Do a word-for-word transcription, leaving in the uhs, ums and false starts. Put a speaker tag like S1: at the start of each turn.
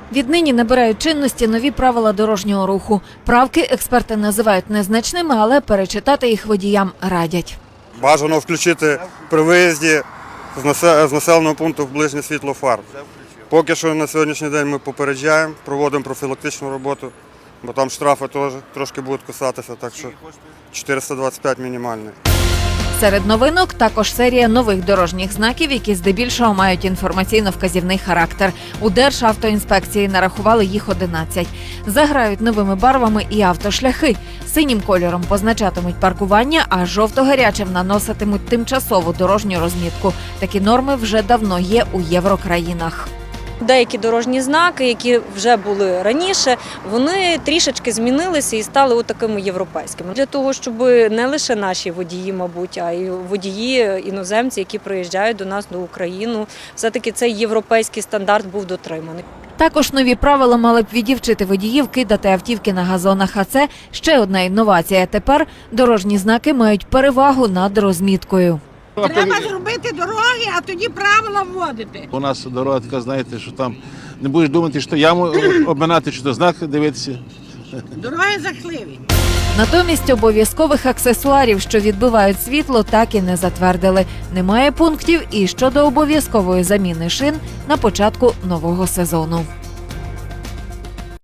S1: Віднині набирають чинності нові правила дорожнього руху. Правки експерти називають незначними, але перечитати їх водіям радять.
S2: Бажано включити при виїзді з населеного пункту в ближнє світло фар. Поки що на сьогоднішній день ми попереджаємо, проводимо профілактичну роботу, бо там штрафи теж трошки будуть кусатися, так що чотириста двадцять п'ять мінімальний.
S1: Серед новинок також серія нових дорожніх знаків, які здебільшого мають інформаційно-вказівний характер. У Державтоінспекції нарахували їх одинадцять. Заграють новими барвами і автошляхи. Синім кольором позначатимуть паркування, а жовто-гарячим наноситимуть тимчасову дорожню розмітку. Такі норми вже давно є у єврокраїнах.
S3: Деякі дорожні знаки, які вже були раніше, вони трішечки змінилися і стали такими європейськими. Для того, щоб не лише наші водії, мабуть, а й водії іноземці, які приїжджають до нас, до України, все-таки цей європейський стандарт був дотриманий.
S1: Також нові правила мали б відівчити водіїв кидати автівки на газонах, а це ще одна інновація. Тепер дорожні знаки мають перевагу над розміткою.
S4: Треба зробити дороги, а тоді правила вводити.
S5: У нас дорога така, знаєте, що там не будеш думати, що яму обминати, чи то знак дивитися.
S4: Дороги жахливі.
S1: Натомість обов'язкових аксесуарів, що відбивають світло, так і не затвердили. Немає пунктів і щодо обов'язкової заміни шин на початку нового сезону.